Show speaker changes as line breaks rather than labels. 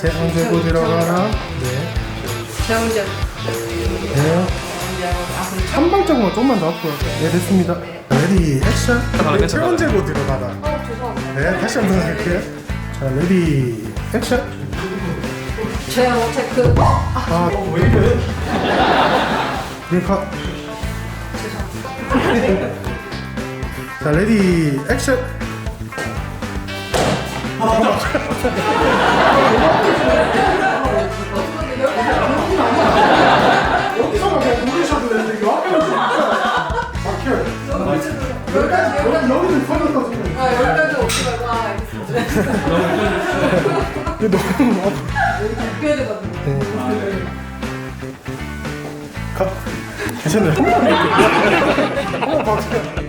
언제 곧 일어나나? 네.
정정.
네. 한 발짝만 좀만 더 앞으로. 네, 됐습니다. 레디, 액션. 제 언제 곧 일어나나?
죄송합니다.
네, 다시 한번 할게요. 자, 레디, 액션.
제가 어차피 그
아, 왜 이래? 네, 가. 자, 레디, 액션. 여기서만 그냥 누르셔도 되는데 이거 막혀요. 여기는 터졌다 지금.
여기까지 오지 말고 알겠습니다.
이거 너무 아파.
바뀌어야 되거든요.
네. 가. 괜찮아요. 한번 박혀요.